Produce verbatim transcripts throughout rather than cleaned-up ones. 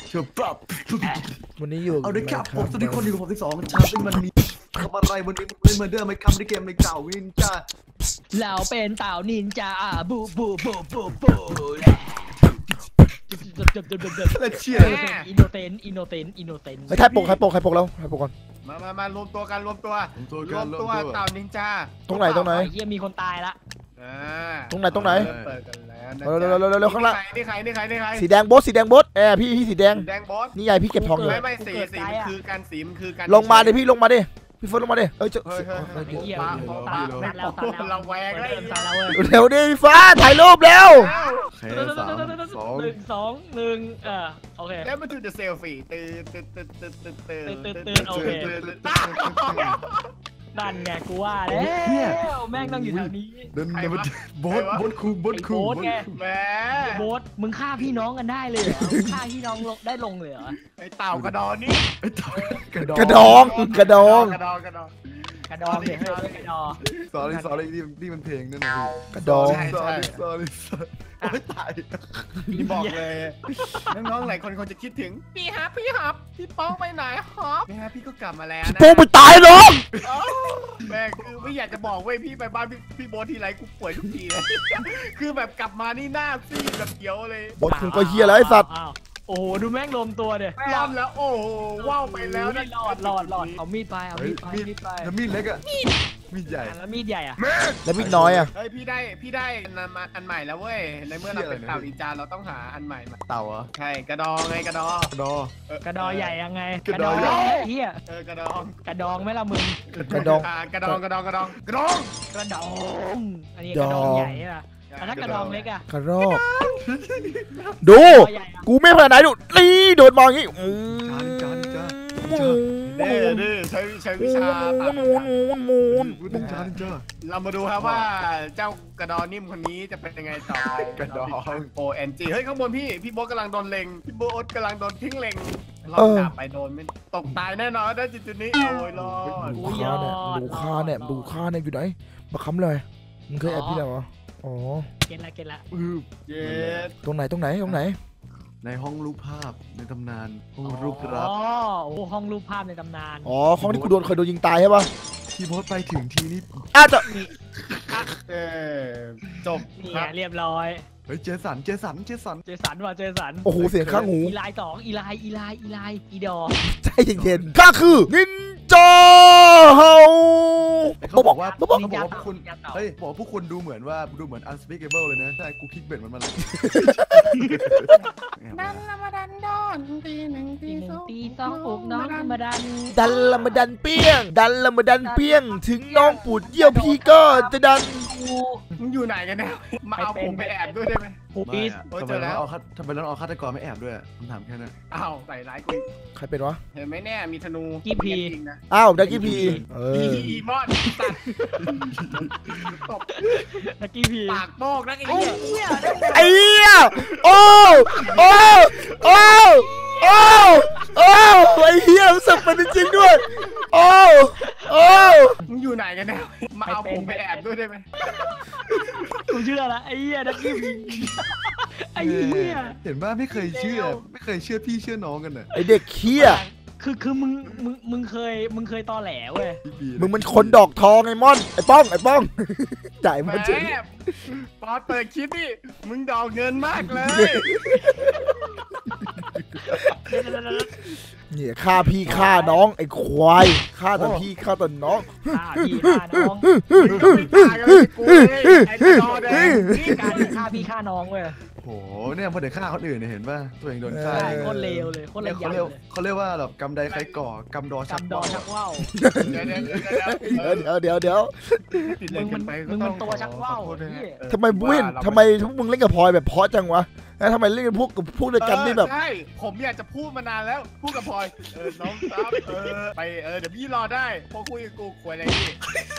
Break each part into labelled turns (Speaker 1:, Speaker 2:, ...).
Speaker 1: เชื่อปรับ
Speaker 2: วันนี้อยู่
Speaker 1: เอาด้วยครับผมสวัสดีคนอยู่กับผมที่สองชาเป็นมันมีทำอะไรวันนี้เล่นเหมือนเดิมไม่คำในเกมในเก่าวินจ้า
Speaker 3: เราเป็นเต่านินจาบูบูบูบูบู
Speaker 1: แล้วเชี่ย
Speaker 3: อินโนเซนอินโนเซนอินโนเซน
Speaker 2: ไม่ใครปกใครปกใครปกแล้วใครปกก่อน
Speaker 4: มามามารวมตัวกันรวมตัวรวมตัวเต่านินจา
Speaker 2: ตรงไหนตรงไหน
Speaker 3: เฮียมีคนตายละ
Speaker 2: ตรงไหนตรงไหน
Speaker 4: เปิดกันแล้ว
Speaker 2: เร็วเร็วเร็วเร็วข้างล่าง
Speaker 4: นี่ใครนี่ใครนี่ใคร
Speaker 2: สีแดงโบสสีแดงโบสเออพี่พี่สีแดง
Speaker 4: แดงโบส
Speaker 2: นี่ไงพี่เก็บทองอยู่
Speaker 4: ไม่ไม่สีสีมันคือการสีมันคือการ
Speaker 2: ลงมาดิพี่ลงมาดิพี่เฟิร์สลงมาดิเอ้ยจะ
Speaker 3: เฮียตายแล้วตายแล้ว
Speaker 4: เราแหวกเลยตายแล้วเว้ย
Speaker 2: เร็วดิฟ้าถ่ายรูปแล้ว
Speaker 1: แค่สามสอง
Speaker 3: หนึ่งสองหนึ่งเออโอเค
Speaker 4: แล้วมาดูจะเซลฟี่ตื่นตื่นตื่นตื่นตื่นตื่น
Speaker 3: ตื่นตื่นโอเคนั่นไงกูว่าแล้วแม่งต้องอยู่แถวนี้
Speaker 1: เดินเดินโบสโบสคูโบสคู
Speaker 3: โบสไง
Speaker 4: แหม
Speaker 3: โบสมึงฆ่าพี่น้องกันได้เลยเหรอฆ่าพี่น้องได้ลงเลยเหรอ
Speaker 4: ไอเต่ากระดอนนี่
Speaker 1: ไอเต่ากระด
Speaker 2: องกระดองกระดอง
Speaker 4: กระดองกระดอง
Speaker 3: กระดองเด็กกระดอง
Speaker 1: สอนสอนอะไรนี่นี่มันเพลงนั่นนะ
Speaker 2: กระดอง
Speaker 1: สอนสอนสอนโอ้ยตาย
Speaker 4: พี่บอกเลยน้องๆหลายคนคงจะคิดถึงพี่ฮับพี่ฮับพี่ป้องไปไหนฮับพี่ฮับพี่ก็กลับมาแล้วนะ
Speaker 2: โป้ไปตายน้อง
Speaker 4: แม่คือไม่อยากจะบอกเว้ยพี่ไปบ้านพี่พี่โบทีไรกูป่วยทุกทีเลยคือแบบกลับมานี่หน้าซีดแบบเขียวเลย
Speaker 2: บดคุณก็เฮียแล้วไอ้สัตว์
Speaker 3: โอ้โหดูแม่งรวมตัวเดี๋ย
Speaker 4: รอดแล้วโอ้ว้าวไปแล้วนะ
Speaker 3: หลอดหลอดหลอดเอามีดไปเอามีดไปมีดไป
Speaker 1: แล้วมีดเล็กอะมีดใหญ่
Speaker 3: แล้วมีดใหญ่อะ
Speaker 2: แล้วมีดน้อยอะ
Speaker 4: เฮ้ยพี่ได้พี่ได้อันใหม่แล้วเว้ยในเมื่อเราเป็นเต่านินจาเราต้องหาอันใหม่
Speaker 1: เต่าเหรอ
Speaker 4: ใช่กระดองไงกระดอง
Speaker 1: กระดอง
Speaker 3: กระดองใหญ่ยังไง
Speaker 1: กระดอง
Speaker 3: เฮีย
Speaker 4: เออกระดอง
Speaker 3: กระดองไหมล่ะมึง
Speaker 2: กระดอง
Speaker 4: กระดองกระดองกระดองกระดอง
Speaker 3: กระดองอันนี้กระดองใหญ่อะถ้ากระดองเล็กอะ
Speaker 2: กระรอกดูกูไม่พอไหนดูนี่โดนมองอย่างงี้
Speaker 4: เด้อเด้อใช้ใช้วิชาเรามาดูครับว่าเจ้ากระดองนิ่มคนนี้จะเป็นยังไงต่อก
Speaker 1: ระดอง
Speaker 4: โอเอ็นจีเฮ้ยข้างบนพี่พี่โบ๊ทกำลังโดนเล็งพี่โบ๊ทกำลังโดนทิ้งเล็งเราจับไปโดนไม่ตกตายแน่นอนได้จุดนี้โอ้ยรอด
Speaker 2: ดูค่าเนี่ยดูค่าเนี่ยดูค่าเนี่ยอยู่ไหนมาค้ำเลยมึงเคยแอบพี่แล้วเหรออ๋อ
Speaker 3: เก็ตละเก็ตละ
Speaker 4: เย็ด
Speaker 2: ตรงไหนตรงไหนตรงไหน
Speaker 1: ในห้องรูปภาพในตำนานห้องรูปรัก
Speaker 3: อ๋อโอ้ห้องรูปภาพในตำนาน
Speaker 2: อ๋อห้องที่กูโดนเคยโดนยิงตายใช่ปะ
Speaker 1: พี่โบ๊ทไปถึงทีนี้
Speaker 2: อาจจะ
Speaker 4: เออจบ
Speaker 3: นี่เรียบร้อย
Speaker 1: เฮ้ยเจสันเจสันเจสัน
Speaker 3: เจสันว่ะเจสัน
Speaker 2: โอ้โหเสียงข้างหู
Speaker 3: อีไลสองอีไลอีไลอีไลอีดอ
Speaker 2: ใจเย็นๆข้าคือนินจาเฮา
Speaker 1: เขาบอกว่าเขาบอกว่าพวกคุณเฮ้ยบอกพวกคุณดูเหมือนว่าดูเหมือน unspeakable เลยนะใช่กูคลิกเบ็ดมันมาเลย
Speaker 4: ดันละมาดันดอนตีหนึ่งตีสอง
Speaker 3: ตีสองปลุกน้องมาดัน
Speaker 2: ดันละมาดันเปี้ยงดันละมาดันเปี้ยงถึงน้องปูดเยี่ยวพี่ก็จะดัน
Speaker 4: มึงอยู่ไหนกันเนี่ยมาเอาผมไปแอบด้วยได้ไหม
Speaker 3: ผมปีส
Speaker 1: ทำไมเราเอาทำไมเราเอาฆาตกรไม่แอบด้วยผมถามแค่นั้น
Speaker 4: อ้าวใส่ร้ายกู
Speaker 2: ใครเป็นวะ
Speaker 4: เห็นไหมแน่มีธนู
Speaker 3: กี้พี
Speaker 2: อ้าวดักกี้พีเออ
Speaker 4: อีมอนตบ
Speaker 3: ดักกี้พี
Speaker 4: ปากโป้งนักไอ้เหี้ย
Speaker 2: ไอ้เหี้ยโอ้โอ้โอ้โอ้โอ้ไอ้เหี้ยสับเป็นจริงด้วยโอ้โอ้
Speaker 4: มึงอยู่ไหนกันเนี่ยมาเอาผมไปแอบด้วยได้ไหม
Speaker 3: กูเชื่อละไอ้เหี้ยดักกี้พีไอ้เหี้ย
Speaker 1: เห็นว่าไม่เคยเชื่อไม่เคยเชื่อพี่เชื่อน้องกันน่ะ
Speaker 2: ไอเด็กเหี้ย
Speaker 3: คือคือมึงมึงมึงเคยมึงเคยตอแหลเว้ย
Speaker 2: มึงมันคนดอกทองไอ้ม่อนไอ้ป้องไอ้ป้องจ่ายมันเฉย
Speaker 4: ปอเปิดคลิปนี่มึงดอกเงินมากเลย
Speaker 2: เนี่ยฆ่าพี่ฆ่าน้องไอ้ควายฆ่าแต่พี่ฆ่าแต่น้อง
Speaker 3: ฆ่าพี่ฆ่าน้องการฆ่าพี่ฆ่าน้องเว้ย
Speaker 1: โอ้โหเนี่ยพอเด็กฆ่าคนอื่นเนี่ยเห็นป่ะตัวเองโดนฆ่า
Speaker 3: โคตรเลวเลยโคตรเลว
Speaker 1: เขาเรียกเขาเรียกว่าแบบกำไดใครก่อกำดอชัก
Speaker 3: ว่าว
Speaker 2: เดี๋ยวเดี๋ยวเดี๋ยว
Speaker 3: มึงมันมึงมันตัวชักว่าว
Speaker 2: ทำไมบุ้นทำไมทุกมึงเล่นกับพลอยแบบเพาะจังวะแล้วทำไมเล่นกับพวกกับพวกด้วยกันนี่แบบ
Speaker 4: ใช่ผมอยากจะพูดมานานแล้วพูดกับพลอยเออน้องซับเออไปเออเดี๋ยวพี่รอได้พอคุยกับกูคุยอะไรนี่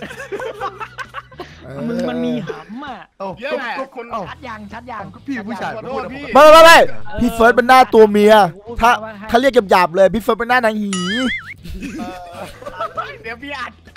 Speaker 3: มึงมันมีหำอ่ะ
Speaker 4: เยอะแหละ
Speaker 3: คนชัดยังชัดยัง
Speaker 1: พี่ผู้ชาย
Speaker 2: ไม่ไม่ไม่พี่เฟิร์สเป็นหน้าตัวเมียถ้าถ้าเรียกหยาบๆเลยพี่เฟิร์สเป็นหน้านางหี
Speaker 4: เดี๋ยวพี่อัด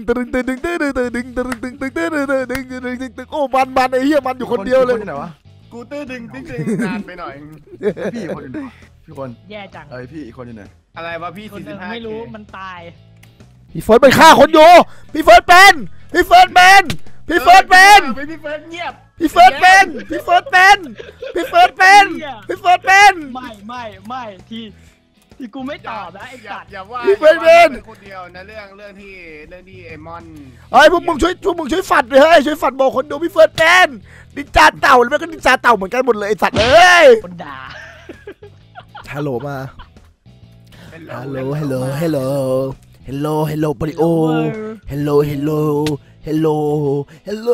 Speaker 2: ตึงตึงตึงตึงตึงตึงตึงตึงตึงตึงตึงตึงตึงตึงตึงตึงตึงโอ้มันมันไอ้เหี้ยมันอยู่คนเดียวเลย
Speaker 1: ที่ไหนวะ
Speaker 4: กูตื้อดึงตื้อดึงนานไปหน่อย
Speaker 1: พี่อีกคนอยู่ไหนพี่คน
Speaker 3: แย่จัง
Speaker 1: เอ้ยพี่อีกคนอยู่ไหน
Speaker 4: อะไรวะพี่
Speaker 3: คน
Speaker 4: สี่
Speaker 3: ห
Speaker 4: สิ
Speaker 3: นึ่
Speaker 4: บ
Speaker 3: ง
Speaker 4: ห้า
Speaker 3: ไม่รู้มันตาย
Speaker 2: พี่เฟิร์สไปฆ่าคนอยู่พี่เฟิร์สเป็นพี่เฟิร์สเป็นพี่เฟิร์สเป็น
Speaker 4: พี่เฟิร์สเงียบ
Speaker 2: พี่เฟิร์สเป็นพี่เฟิร์สเป็นพี่เฟิร์สเป็นพี่เฟิร์สเป็น
Speaker 3: ไม่ไม่ไม่ที่ที่กูไม่ตอบนะไอ้สัตว์
Speaker 4: อย่าว่า
Speaker 2: พี่เฟิร์สเป็น
Speaker 4: คนเดียวนะเรื่องเรื่องที่เรื่องที่ไอมอน
Speaker 2: เฮ้ยพวกมึงช่วยพวกมึงช่วยฝัดเลยเฮ้ยช่วยฝัดบอกคนดูพี่เฟิร์สเป็นนินจาเต่าแล้วก็นินจาเต่าเหมือนกันหมดเลยไอ้สัตว์เอ้ย
Speaker 3: คนด่า
Speaker 2: ฮัลโหลมาฮัลโหลฮัลโหลฮัลโหลฮัลโหลฮัลโหลปริโอฮัลโหลฮัลโหลฮัลโหลฮัลโห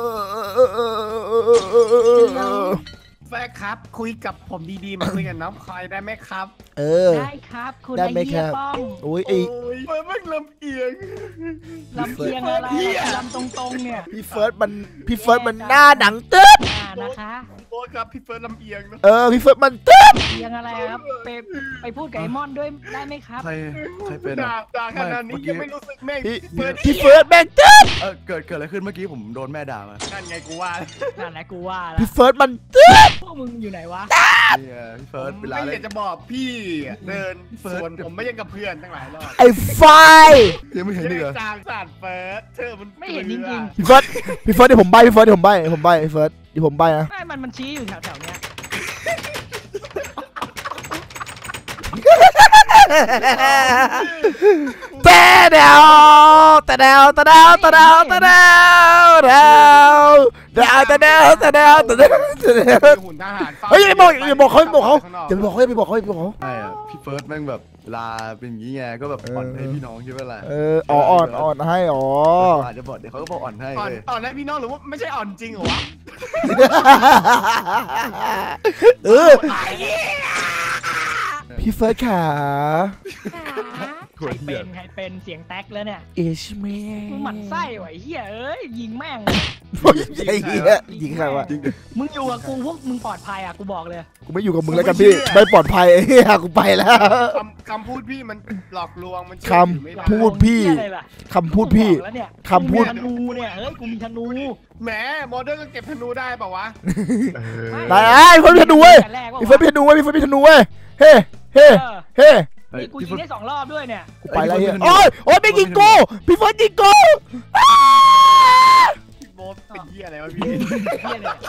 Speaker 2: ล
Speaker 4: แฟร์ครับ คุยกับผมดีๆมาคุยกับน้องพลอยได้ไหมครับ
Speaker 2: เออ
Speaker 3: ได้ครับคุณ
Speaker 2: ได้
Speaker 3: ไอ้
Speaker 2: ไหม
Speaker 3: เหี้
Speaker 2: ค
Speaker 3: ย
Speaker 2: รับ
Speaker 3: ป้อง
Speaker 2: โอ้ย
Speaker 4: โอ้
Speaker 2: ไอ้
Speaker 4: ยเฟิร์สแม่งลำเอียง
Speaker 3: ลำเอียงอะไรลำตรงๆเนี่ย
Speaker 2: พี่เฟิร์สมันพี่เฟิร์สมันหน้าหนังตึ๊บ
Speaker 3: อ่านะคะ
Speaker 4: โอ้ครับพี่เฟิร์สลำเอียงนะ
Speaker 2: เออพี่เฟิร์สมันตึ๊บ
Speaker 3: เอียงอะไรครับไปไปพูดกับไอ้มอนด้วยได้ไหมครับ
Speaker 1: ใครใครเป็น
Speaker 4: ด่า
Speaker 1: อะ
Speaker 4: ด่าขนาดนี้ยังไม่รู้สึกแม่ง
Speaker 2: พี่
Speaker 4: เฟิร์ส
Speaker 2: พี่เฟิร์สแม่งตึ๊บ
Speaker 1: เออเกิดเกิดอะไรขึ้นเมื่อกี้ผมโดนแม่ด่ามา
Speaker 4: นั่นไงกูว่า
Speaker 3: นั่นแหละกูว่าแล้ว
Speaker 2: พี่เฟิร์สมันตึ๊บ
Speaker 3: พวกมึงอยู่ไหนวะ
Speaker 1: นี่ไงพี่เฟิร์สเวลา
Speaker 4: ไม่อ
Speaker 1: เล่
Speaker 4: ยาน กจะบอกพี่เดิน
Speaker 1: เฟิร์ส
Speaker 4: ส่วนผมไม่ยังกับเพื่อนทั้งหลายรอบ
Speaker 2: ไอ้ไฟ
Speaker 1: ยังไม่เห็นอีกเหรอ
Speaker 4: จางสาดเฟิร์สเธอมัน
Speaker 3: ไม่เห็นจริง
Speaker 2: พี่เฟิร์สพี่เฟิร์สเดี๋ยวผมใบพี่เฟิร์สเดี๋ยวผมใบผมใบพี่เฟิร์สเดี๋ยวผมใบนะ
Speaker 3: ไม่มันมันชี้อยู่แถวแถวๆเนี้ย
Speaker 2: แต่เดวแต่เดวแต่เดวแต่เดวแต่เดวเดวเดวแต่เดวแต่เดวแต่เดวแต่เดว
Speaker 4: หุ่นทหาร
Speaker 2: เฮ้ยอย่าบอกอย่าบอกเขาอย่าบอกเขาอย่าไปบอกเขาอย่าไปบอกเขาอย่าไปบอกเขา
Speaker 1: ใช่อะพี่เฟิร์สแม่งแบบเวลาเป็นอย่างนี้ไงก็แบบอ่อนให้พี่น้องใช่ไหมล่ะ
Speaker 2: เอออ๋ออ่อนอ่อนให้อ๋อ
Speaker 1: อาจจะบอกเดี๋ยวเขาก็บอกอ่อนให้
Speaker 4: อ่อน
Speaker 1: เลย
Speaker 4: อ่อนให้พี่น้องหรือว่าไม่ใช่อ่อนจริงเหรอวะ
Speaker 2: เออพี่เฟิร์สขา
Speaker 3: ใครเป็นใครเป็นเสียงแท็กแล้วเนี่ย
Speaker 2: เอชแมน
Speaker 3: มึงหมั่นไส้ไหวเฮียเอ้ยยิงแม่ง
Speaker 2: ไอ้เหี้ยยิงใครวะ
Speaker 3: มึงอยู่กับกูพวกมึงปลอดภัยอ่ะกูบอกเลย
Speaker 2: กูไม่อยู่กับมึงแล้วกันพี่ไม่ปลอดภัยไอ้เหี้ยกูไปแล้ว
Speaker 4: คำคำพูดพี่มันหลอกลวงมัน
Speaker 2: คำพูดพี่คำพูดพี่คำพูด
Speaker 3: ธนูเนี่ยเฮ้ยกูมีธนู
Speaker 4: แหมโมเดิร์นก็เก็บธนูได้เปล่าวะ
Speaker 2: ไหนไอ้พี่เฟิร์สมีธนูเว้ยพี่เฟิร์สมีธนูเว้ยพี่เฟิร์สมีธนูเว้ยเฮ้เฮ้เฮ้
Speaker 3: นี่กูยิงได้สองรอบด้วยเนี่ย
Speaker 2: กูไปแล้วเฮียโอ้ยโอ้ยไม่ยิงกูพี่เฟิร์สยิงกู
Speaker 4: พี่โบ๊ทเป็นเหี้ยอะไรวะพี่
Speaker 3: เฮียเนี่ย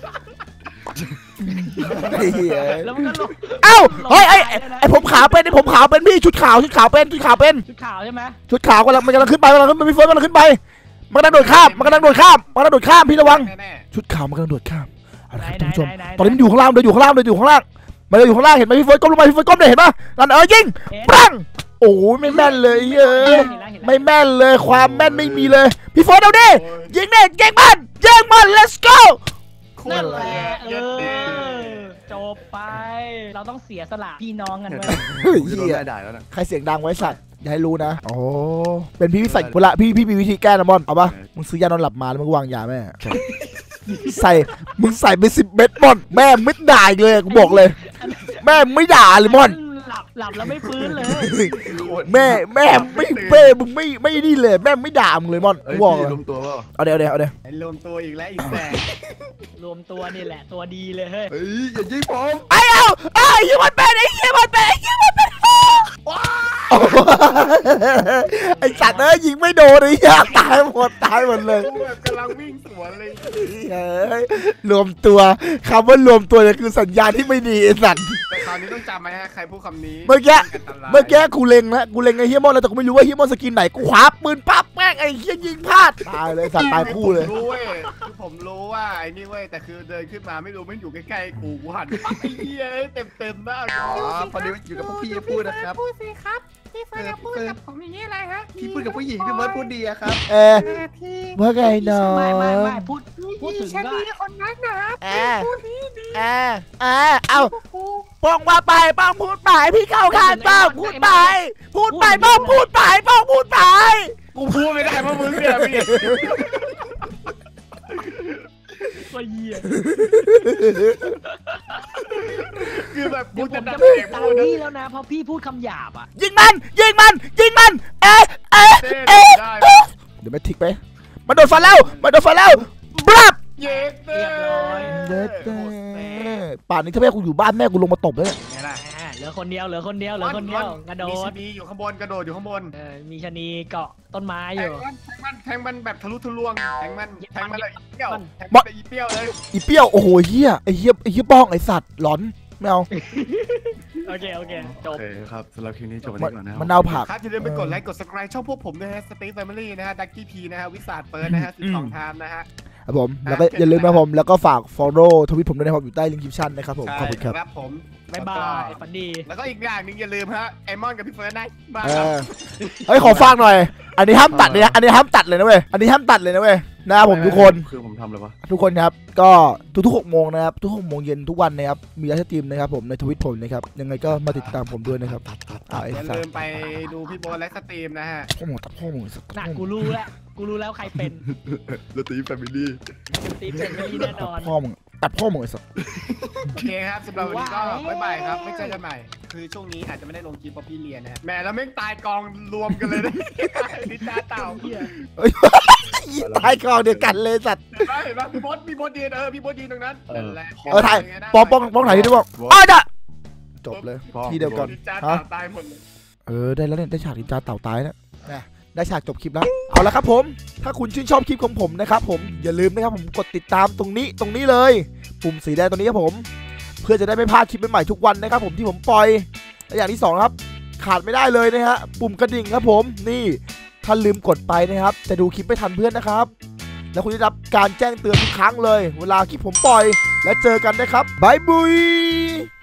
Speaker 2: ไอ้เหี้ย
Speaker 3: แล้วมันก็ลง
Speaker 2: เอ้าเฮ้ยไอ้ไอ้ผมขาวเป็นไอ้ผมขาวเป็นพี่ชุดขาวชุดขาวเป็นชุดขาวเป็น
Speaker 3: ชุดขาวใช่ไหม
Speaker 2: ชุดขาวกำลังมันกำลังขึ้นไปกำลังขึ้นไปพี่เฟิร์สกำลังขึ้นไปมันกำลังโดดข้ามมันกำลังโดดข้ามมันกำลังโดดข้ามพี่ระวัง
Speaker 4: แน่
Speaker 2: ชุดขาวมันกำลังโดดข้ามเอาละครับท่านผู้ชมตอนนี้มันอยู่ข้างล่างเดินอยู่ข้างล่างเดินอยู่ข้างล่างมันเดินอยู่ข้างล่างเห็นไหมพี่เฟิร์สก้มลงไปพี่เฟิร์สก้มเลยเห็นปะนั่นเออยิงปังโอ้ยไม่แม่นเลยเฮ้ยไม่แม่นเลยความแม่นไม่มีเลยพี่เฟิร์สเอาดิยิงเด็ยิงมันยิงมัน let's go
Speaker 4: ๆโค
Speaker 3: นั่
Speaker 4: ต
Speaker 3: น
Speaker 4: ร
Speaker 3: แห
Speaker 4: เล
Speaker 3: ละ
Speaker 4: ย
Speaker 3: เอ
Speaker 4: เย็ด
Speaker 3: อ
Speaker 4: ดี
Speaker 3: จบไปเราต้องเสียสละพี่น้องกันเว้ย
Speaker 2: เฮ้ย
Speaker 1: จะโดน
Speaker 2: เหี้ย
Speaker 1: ได้ด่าแล้วนะ
Speaker 2: ใครเสียงดังไว้สัตว์อย่าให้รู้นะโอ้เป็นพี่วิสัยเวลาพี่พี่มีวิธีแก้นะบอลเอาปะมึงซื้อยานอนหลับมาแล้วมึงวางยาแม่ใส่มึงใส่ไปสิบเม็ดบอลแม่ไม่ด่าอีกเลยกูบอกเลย แม่ไม่ด่าเลยบอล
Speaker 3: หลับหลับแล้วไม่ฟื้นเลย
Speaker 2: แม่แม่ไม่เป้มึงไม่ไม่นี่เลยแม่ไม่ด่ามึงเลยบอล
Speaker 1: เอ้
Speaker 2: กู
Speaker 1: ย
Speaker 2: บอก
Speaker 1: พี่
Speaker 2: เลย
Speaker 1: รวมตัวเปล่า
Speaker 2: เอาเดี๋ยวเอาดี๋ยวเอาดี๋ยว
Speaker 4: ไอ้รวมตัวอีกแล้วอีกแสง
Speaker 3: รวมตัวนี่แหละตัวดีเลยเฮ้ย
Speaker 1: เฮ้ยอย่ายิงผม
Speaker 2: ไอ้เอาไอ้ยี่มันเป็นไอ้ยี่มันเป็นไอ้ยี่มันเป็นไอ้สัตว์เอ้ยยิงไม่โดนเลยอยากตายหมดตายหมดเลย
Speaker 4: กูแบบกำลังวิ่งสวนเลย
Speaker 2: เฮ้ยรวมตัวคำว่ารวมตัวเนี่ยคือสัญญาณที่ไม่ดีไอ้สัตว์
Speaker 4: แต่คราวนี้ต้องจำไหมฮะใครพูดคำนี้
Speaker 2: เมื่อกี้
Speaker 4: นตราย
Speaker 2: เมื่อกี้กูเล็งแล้วกูเล็งไอ้เฮียมอนแล้วแต่กูไม่รู้ว่าเฮียมอนสกินไหนกูคว้าปืนปั๊บแม่งไอ้เฮียยิงพลาดตายเลยสัตว์ตายคู่เลย
Speaker 4: ผมรู้เว้ยคือผมรู้ว่าไอ้นี่เว้ยแต่คือเดินขึ้นมาไม่รู้มันอยู่ใกล้ๆกูกูหันปั๊บไอ้เหี้ยเต็มเต็มๆหน้ากู
Speaker 1: อ๋อพอดีอยู่กับพวกพี่พูดนะครับ
Speaker 4: พูดสิครับพี่เฟิร์นพูดกับผมอย่างนี้อะไรฮะ
Speaker 1: พี่พูดกับผู้หญิงพี่เบิร์ดพูดดีอะครับ
Speaker 2: เออ
Speaker 4: พี่
Speaker 2: ว่าไงน้อง
Speaker 3: ไม่ไม่ไม่พูดพูดถึง
Speaker 4: ฉัน
Speaker 3: ก็
Speaker 4: ดีคนนั้นนะ
Speaker 2: เออ
Speaker 4: พูดดีดี
Speaker 2: เออเออเอา
Speaker 4: กู
Speaker 2: ป้องว่าไปป้องพูดไปพี่เข้าข้างป้องพูดไปพูดไปป้องพูดไปป้องพูดไป
Speaker 4: กูพูดไม่ได้เพราะมึงเนี่ยพี่
Speaker 3: ตัวเหี้ย
Speaker 4: คือแบบกู
Speaker 3: เดี๋ยวผ
Speaker 4: จะ
Speaker 3: ม
Speaker 4: ดั
Speaker 3: จะ
Speaker 4: น
Speaker 3: ไม่
Speaker 4: เด็ก
Speaker 3: ตาม
Speaker 4: พูดนะ
Speaker 3: พี่แล้วนะเพราะพี่พูดคำหยาบอ่ะ
Speaker 2: ยิงมันยิงมันยิงมันเอ๊ะเอ๊ะ
Speaker 4: เต้น
Speaker 2: เอ๊ะ
Speaker 4: ได้
Speaker 2: เอ๊ะเดี๋ยวไม่ทิกไปมันโดนฟันแล้วมันโดนฟันแล้วบลับ
Speaker 4: เย็ดเต้
Speaker 2: เด็ดเด้ป่านนี้ถ้าแม่กูอยู่บ้านแม่กูลงมาตบเลย
Speaker 4: ไงล่ะ
Speaker 3: อ่าเหลือคนเดียวเหลือคนเดียวเหลือคนเดียวกระโด
Speaker 4: มีช
Speaker 3: ด
Speaker 4: นีอยู่ข้างบนกระโดดอยู่ข้างบน
Speaker 3: เออมีชะนีเกาะต้นไม้อ
Speaker 4: แท
Speaker 3: ยู่
Speaker 4: งมันแทงมันแทงมันแบบทะลุทะลวงแทงมันแทงมันเลยอีเปรี้ยว
Speaker 3: มัน
Speaker 4: แทงมันเลยอีเปรี้ยวเลย
Speaker 2: อีเปี้ยวโอ้โหเฮียไอ้เฮียไอ้เฮียป้องไอ้สัตว์หลอนไม่เอา
Speaker 3: โอเคโอเคจ
Speaker 1: โอบ เคครับสำหรับคลิปนี้จบไป
Speaker 2: มัน
Speaker 1: ก่อนนะครับ
Speaker 2: มันเอาผัก
Speaker 4: ครับอย่าลืมไปกดไลค์กด subscribe ช่องพวกผมด้วยนะฮะสตีฟแฟมิลี่นะฮะดักกี้พีนะฮะวิสาดเปิร์นะฮะสิบสองไทม์นะฮะ
Speaker 2: ครับผมแล้วก็อย่าลืมนะครับผมแล้วก็ฝาก follow ทวิตผมด้วยนะครับอยู่ใต้ลิงก์คลิปชั่นนะครับผมขอบคุณครับ
Speaker 4: ครับผม
Speaker 3: บ๊ายบายฝันดี
Speaker 4: แล้วก็อีกอย่างหนึ่งอย่าลืมฮะไอมอนกับพี่เฟิร์นนะมา
Speaker 2: เออเฮ้ยขอฟังหน่อย อันนี้ห้ามตัดเลยนะอันนี้ห้ามตัดเลยนะเว้ยอันนี้ห้ามตัดเลยนะเว้ยนะครับผมทุกคน
Speaker 1: คือผมทำอะไรวะ
Speaker 2: ทุกคนครับก็ทุกๆหกโมงนะครับทุกหกโมงเย็นทุกวันนะครับมีไลฟ์สตรีมนะครับผมในทวิตผมนะครับยังไงก็มาติดตามผมด้วยนะครับอ่าไอ้
Speaker 4: อย่า
Speaker 2: สัต
Speaker 4: ลื
Speaker 2: ว์
Speaker 4: มไปดูพี่โบนไลฟ์สตรีมนะฮะ
Speaker 2: พ่อหมอตัดพ่อหมอสัตว์
Speaker 3: น่ะกูรู้แล้วกูรู้แล้วใครเป็น
Speaker 1: ลตีแฟมิลี่
Speaker 3: ตีเป็นไม่ดีแน่น
Speaker 2: ตั
Speaker 3: อ
Speaker 2: ด
Speaker 3: น
Speaker 2: พ่อมึงตัดพ่อมึงไอ้สัตว์
Speaker 4: โอเคครับสำหรับวันนี้ก็
Speaker 3: ว้าว
Speaker 4: บ๊ายบายครับไม่เจอกันใหม่ คือช่วงนี้อาจจะไม่ได้ลงคลิปเพราะพี่เรียนนะฮะแหมแล้วแม่งตายกองรวมกันเลยนะนิจาเต่า
Speaker 3: เหี้ย
Speaker 2: ตายกองเดียวกันเลยสัตว์
Speaker 4: เห็นไหมเห็นไหมพี่โบดพี่โบดยืนเออพี่โบดยืนตรงนั้นนั่นแหละ
Speaker 2: เออถ่ายป้องป้องป้องถ่ายที่ด้วยบอกอ้าวจ้ะจบเลยที่เดียวกัน
Speaker 4: นิจาเต่าตายหมดเลย
Speaker 2: เออได้แล้วเนี่ยได้ฉากนินจาเต่าตายแล้วนะได้ฉากจบคลิปแล้วเอาละครับผมถ้าคุณชื่นชอบคลิปของผมนะครับผมอย่าลืมนะครับผมกดติดตามตรงนี้ตรงนี้เลยปุ่มสีแดงตรงนี้ครับผมเพื่อจะได้ไม่พลาดคลิปใหม่ๆทุกวันนะครับผมที่ผมปล่อยและอย่างที่สองครับขาดไม่ได้เลยนะฮะปุ่มกระดิ่งครับผมนี่ถ้าลืมกดไปนะครับจะดูคลิปไม่ทันเพื่อนนะครับแล้วคุณจะได้รับการแจ้งเตือนทุกครั้งเลยเวลาคลิปผมปล่อยและเจอกันนะครับบายบุย